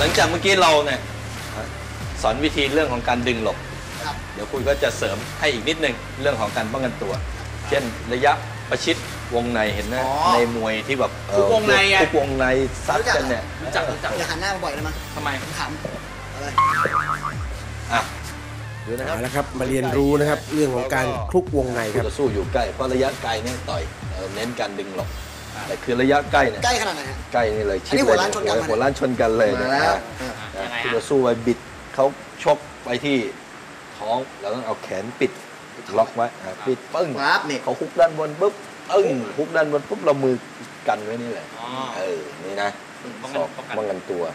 ลังจากเมื่อกี้เราเนี่ยสอนวิธีเรื่องของการดึงหลบเดี๋ยวคุณก็จะเสริมให้อีกนิดนึงเรื่องของการป้องกันตัว เช่นระยะประชิดวงในเห็นไหมในมวยที่แบบทุกวงในทุกวงในซัดกันเนี่ยรู้จักอย่าหันหน้ามาบ่อยเลยมั้ยทำไมขำอะไรดูนะครับแล้วครับมาเรียนรู้นะครับเรื่องของการคลุกวงในครับจะสู้อยู่ใกล้เพราะระยะไกลเนี่ยต่อยเน้นการดึงหลบแต่คือระยะใกล้เนี่ยใกล้ขนาดไหนฮะใกล้นี่เลยชิดเลยหัวล้านชนกันเลยนะคือจะสู้ไปบิดเขาชกไปที่ท้องเราต้องเอาแขนปิดล็อกไว้ปิดปึ้งเขาฮุกด้านบนปุ๊บฮุกด้านบนปุ๊บเรามือกันไว้นี่แหละนี่นะป้องกันตัว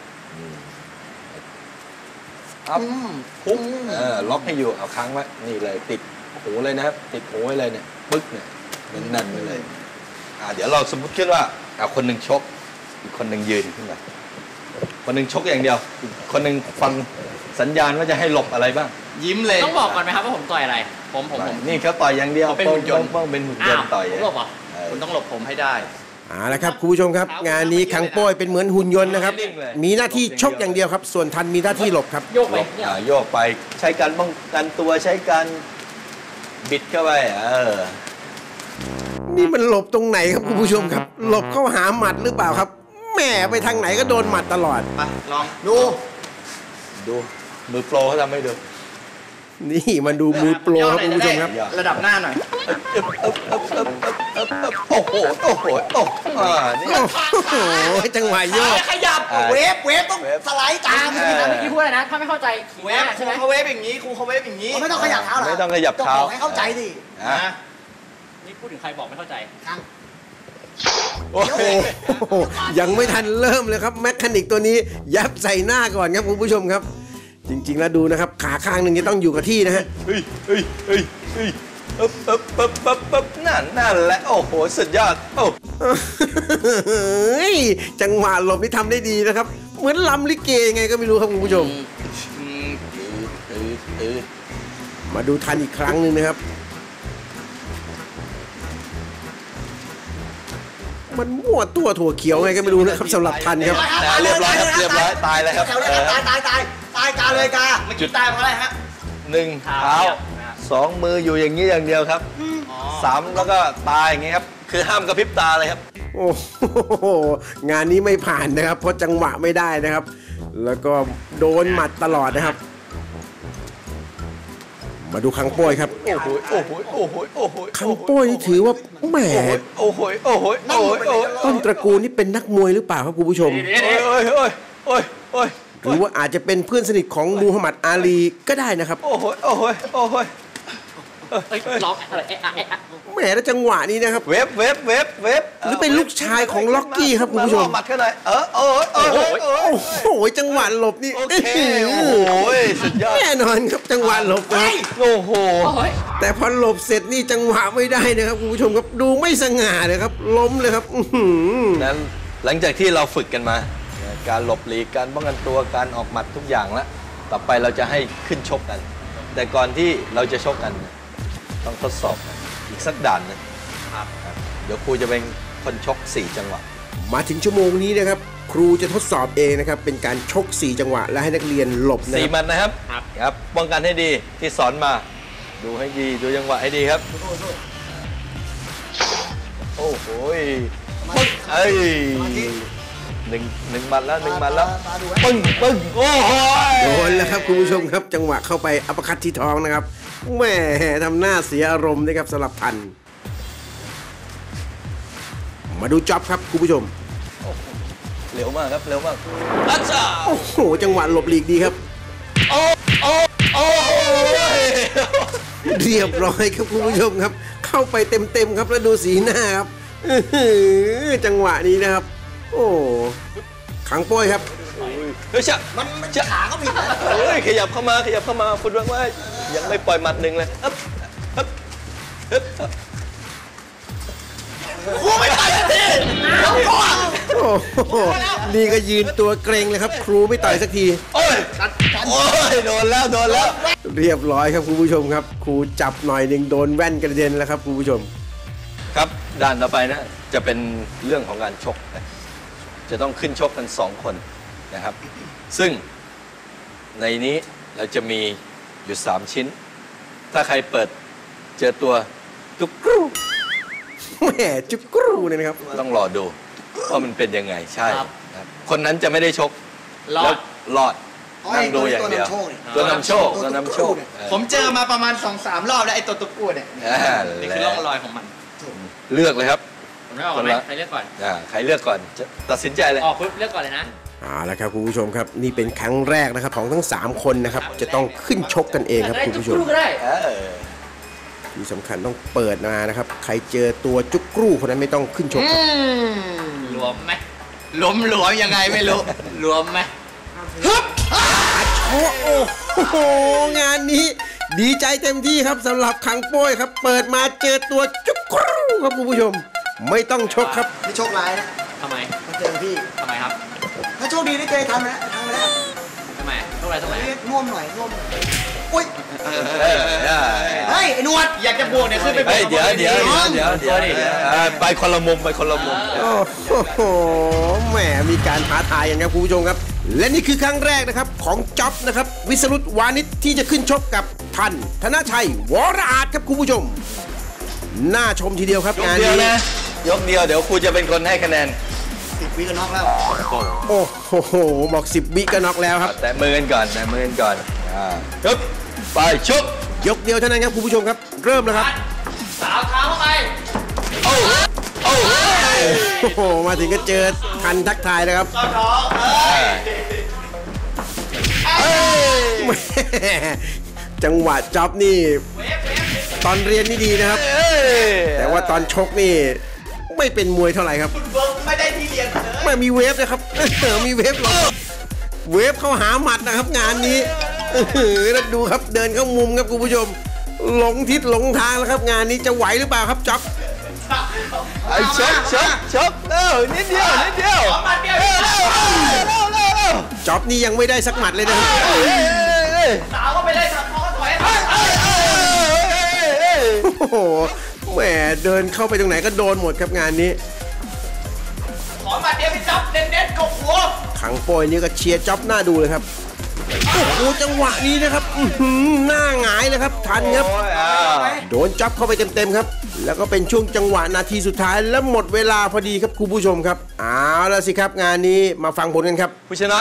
ฮุกล็อกให้อยู่เอาค้างไว้นี่เลยติดหูเลยนะครับติดหูไว้เลยเนี่ยปึ๊กเนี่ยนั่นไปเลยเดี๋ยวเราสมมติขึ้นว่าคนหนึ่งชกอีกคนหนึ่งยืนขึ้นมาคนหนึ่งชกอย่างเดียวอีกคนหนึ่งฟังสัญญาณว่าจะให้หลบอะไรบ้างยิ้มเลยต้องบอกก่อนไหมครับว่าผมต่อยอะไรผมนี่เขาต่อยอย่างเดียวเป็นหุ่นยนต์ต้องเป็นหุ่นยนต์ต่อยผมหลบอ่ะคุณต้องหลบผมให้ได้ละครับคุณผู้ชมครับงานนี้คังโป้ยเป็นเหมือนหุ่นยนต์นะครับมีหน้าที่ชกอย่างเดียวครับส่วนทันมีหน้าที่หลบครับโยกไปโยกไปใช้การป้องกันตัวใช้การบิดเข้าไปนี่มันหลบตรงไหนครับคุณผู้ชมครับหลบเข้าหาหมัดหรือเปล่าครับแหมไปทางไหนก็โดนหมัดตลอดไปลองดูมือโปรเขาทำให้ดูนี่มาดูมือโปรครับคุณผู้ชมครับระดับหน้าหน่อยโอ้โหนี่จังหวะโยกขยับเวฟต้องสไลด์ตามเมื่อกี้พูดอะไรนะถ้าไม่เข้าใจเวฟใช่ไหมเขาเวฟอย่างนี้ครูเขาเวฟอย่างนี้ไม่ต้องขยับเท้าหรอไม่ต้องขยับเท้าให้เข้าใจดินี่พูดถึงใครบอกไม่เข้าใจโอ้โหยังไม่ทันเริ่มเลยครับแมคคานิกตัวนี้ยับใส่หน้าก่อนครับคุณผู้ชมครับจริงๆแล้วดูนะครับขาข้างหนึ่งจะต้องอยู่กับที่นะฮะนั่นแหละโอ้โหสุดยอดจังหวะหลบนี่ทำได้ดีนะครับเหมือนลำลิเกไงก็ไม่รู้ครับคุณผู้ชมมาดูทันอีกครั้งหนึ่งนะครับมันมั่วตัวถั่วเขียวไงก็ไม่รู้นะครับสำหรับทันครับเรียบร้อยครับเรียบร้อยตายเลยครับตายกาเลยกาไม่จุดตายเพราะอะไรฮะ 1เท้า2มืออยู่อย่างนี้อย่างเดียวครับ3แล้วก็ตายอย่างนี้ครับคือห้ามกระพริบตาเลยครับโอ้โหงานนี้ไม่ผ่านนะครับเพราะจังหวะไม่ได้นะครับแล้วก็โดนหมัดตลอดนะครับมาดูคังโป้ยครับคังโป้ยนี่ถือว่าแหมต้นตระกูลนี่เป็นนักมวยหรือเปล่าครับคุณผู้ชมหรือว่าอาจจะเป็นเพื่อนสนิทของมูฮัมหมัดอาลีก็ได้นะครับล็อกอะไรแหมแล้วจังหวะนี้นะครับเว็บหรือเป็นลูกชายของล็อกกี้ครับคุณผู้ชมหมัดแค่ไหนโอ้โหจังหวะหลบนี่โอ้ยสุดยอดแน่นอนครับจังหวะหลบครับโอ้โหแต่พอหลบเสร็จนี่จังหวะไม่ได้นะครับคุณผู้ชมครับดูไม่สง่าเลยครับล้มเลยครับนั้นหลังจากที่เราฝึกกันมาการหลบหลีกการป้องกันตัวการออกหมัดทุกอย่างแล้วต่อไปเราจะให้ขึ้นชกกันแต่ก่อนที่เราจะชกกันต้องทดสอบอีกสักด่านนึงเดี๋ยวครูจะเป็นคนชก4จังหวะมาถึงชั่วโมงนี้นะครับครูจะทดสอบเองนะครับเป็นการชก4จังหวะและให้นักเรียนหลบ 4มันนะครับครับป้องกันให้ดีที่สอนมาดูให้ดีดูจังหวะให้ดีครับโอ้โหหนึ่งมัดแล้วปึ้งโอ้โหโดนแล้วครับคุณผู้ชมครับจังหวะเข้าไปอัปคัตที่ท้องนะครับแหมทำหน้าเสียอารมณ์นะครับสำหรับทันมาดูจ็อบครับคุณผู้ชมเร็วมากครับเร็วมากโอ้โหจังหวะหลบหลีกดีครับเรียบร้อยครับคุณผู้ชมครับเข้าไปเต็มครับแล้วดูสีหน้าครับจังหวะนี้นะครับโอ้ขังโป้ยครับมันขาก็ผิดขยับเข้ามาฟุตวังว่ายังไม่ปล่อยหมัดหนึ่งเลยครูไม่ต่อยสักทีนี่ก็ยืนตัวเกรงเลยครับครูไม่ต่อยสักทีโอ้ยโดนแล้วเรียบร้อยครับคุณผู้ชมครับครูจับหน่อยหนึ่งโดนแว่นกระเด็นแล้วครับคุณผู้ชมครับด้านต่อไปนะจะเป็นเรื่องของการชกจะต้องขึ้นชกกัน2คนนะครับ ซึ่งในนี้เราจะมีอยู่3ชิ้น ถ้าใครเปิดเจอตัวจุกกรูแหมจุกกรูเนี่ยนะครับต้องรอดูว่ามันเป็นยังไงใช่ครับครับคนนั้นจะไม่ได้ชกรอดแล้วรอดนั่งดูอย่างเดียวตัวนำโชคนี่ตัวนำโชคผมเจอมาประมาณ 2-3 รอบแล้วไอ้ตัวตุ๊กกูเนี่ยนี่คือร่องรอยของมันเลือกเลยครับผมไม่ออกก่อนไหมใครเลือกก่อนใครเลือกก่อนจะตัดสินใจเลยออกปุ๊บเลือกก่อนเลยนะเอาละครับคุณผู้ชมครับนี่เป็นครั้งแรกนะครับของทั้ง 3 คนนะครับจะต้องขึ้นชกกันเองครับได้คุณจุกผู้ชมรูก็ได้ที่สำคัญต้องเปิดมานะครับใครเจอตัวจุกกรูคนนั้นไม่ต้องขึ้นชกครับรวมไหมหลวมยังไงไม่รู้รวมไหมโอ้โหงานนี้ดีใจเต็มที่ครับสำหรับขังโป้ยครับ เปิดมาเจอตัวจุกกรูครับคุณผู้ชม ไม่ต้องชกครับไม่โชคร้ายนะทำไมมาเจอพี่ทำไมครับถ้าโชคดีได้เจอทำแล้วทำมาแล้วทำไมตรงไหนตรงไหนเรียกน่วมหน่อยน่วมอุ้ยได้เฮ้ยไอ้หนวดอยากจะบวกเนี่ยขึ้นไปเฮ้ยเดี๋ยวไปคนละมุมไปคนละมุมโอ้โหแหมมีการท้าทายกันครับคุณผู้ชมครับ และนี่คือครั้งแรกนะครับของจ๊อบนะครับวิสรุตวานิชที่จะขึ้นชกกับทันธนชัยวรอาจครับคุณผู้ชมน่าชมทีเดียวครับยกงานเดียวนี้นะยกเดียวเดี๋ยวครูจะเป็นคนให้คะแนน 10 วิก็น็อกแล้วโอ้โหบอก10 วิก็น็อกแล้วครับแต่มือกันก่อนแต่มือกันก่อนปึ๊บไปชุบยกเดียวเท่านั้นครับคุณผู้ชมครับ เริ่มแล้วครับสาวเท้าเข้าไปโอ้โอ้โหมาถึงก็เจอทันทักทายแล้วครับ แหม่จังหวะจ็อบนี่ ตอนเรียนนี่ดีนะครับ แต่ว่าตอนชกนี่ไม่เป็นมวยเท่าไหร่ครับไม่ได้ที่เรียนเลยไม่มีเวฟนะครับ มีเวฟหรอกเวฟเข้าหาหมัดนะครับงานนี้แล้วดูครับเดินเข้ามุมครับคุณผู้ชม หลงทิศหลงทางแล้วครับงานนี้จะไหวหรือเปล่าครับจ็อบไอ้ชกนิดเดียวนิดเดียวมาเดียวจ็อบนี่ยังไม่ได้สักหมัดเลยนะครับสาวก็ไปเลยสับคอก็ถอยโอ้โหแหมเดินเข้าไปตรงไหนก็โดนหมดครับงานนี้ขอมาเดียวพี่จับเด็ดๆกบหัวขังโปยนี่ก็เชียร์จ็อบหน้าดูเลยครับ โอ้โหจังหวะนี้นะครับหน้าหงายเลยครับทันครับ โดนจ็อบเข้าไปเต็มๆครับ แล้วก็เป็นช่วงจังหวะนาทีสุดท้ายและหมดเวลาพอดีครับคุณผู้ชมครับเอาละสิครับงานนี้มาฟังผลกันครับผู้ชนะ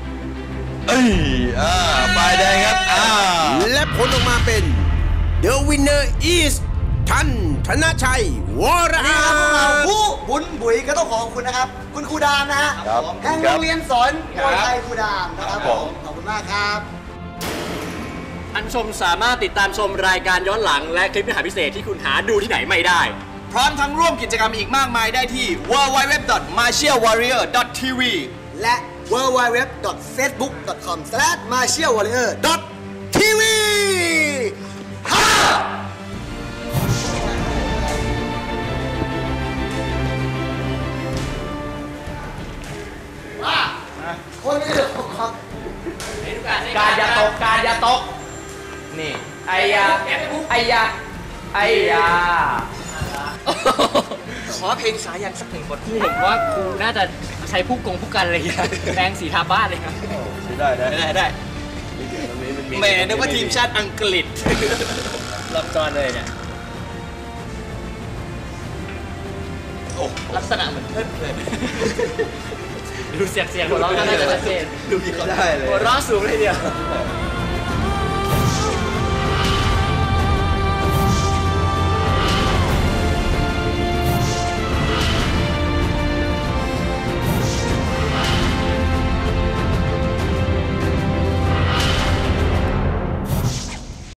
ฝ่ายแดงครับและผลออกมาเป็น The winner is ทันธนชัยวรนี่อาครับพวกเราจผู้บุญบุ๋ยก็ต้องขอบคุณนะครับ คุณครูดามนะฮะครับแห่งโรงเรียนสอนมวยไทยครูดามนะครับผมขอบคุณมากครับท่านผู้ชมสามารถติดตามชมรายการย้อนหลังและคลิปเนื้อหาพิเศษที่คุณหาดูที่ไหนไม่ได้พร้อมทั้งร่วมกิจกรรมอีกมากมายได้ที่ www.martialwarrior.tv และ www.facebook.com/martialwarrior.tv คนไม่ได้ของการอย่าตก การอย่าตก นี่ ไอ้ยา ไอ้ยา ไอ้ยาขอเพลงสายันสักหนึ่งบทที่เห็นว่าครูน่าจะใช้ผู้กันอะไรอย่างเงี้ยแปรงสีทาบ้านเลยครับได้แหมนึกว่าทีมชาติอังกฤษรับจอนเลยเนี่ยลักษณะเหมือนเพื่อนเลยดูเสียงหัวเราะก็น่าจะชัดเจนดูมีเขาได้เลยหัวเราะสูงเลยเดียวเ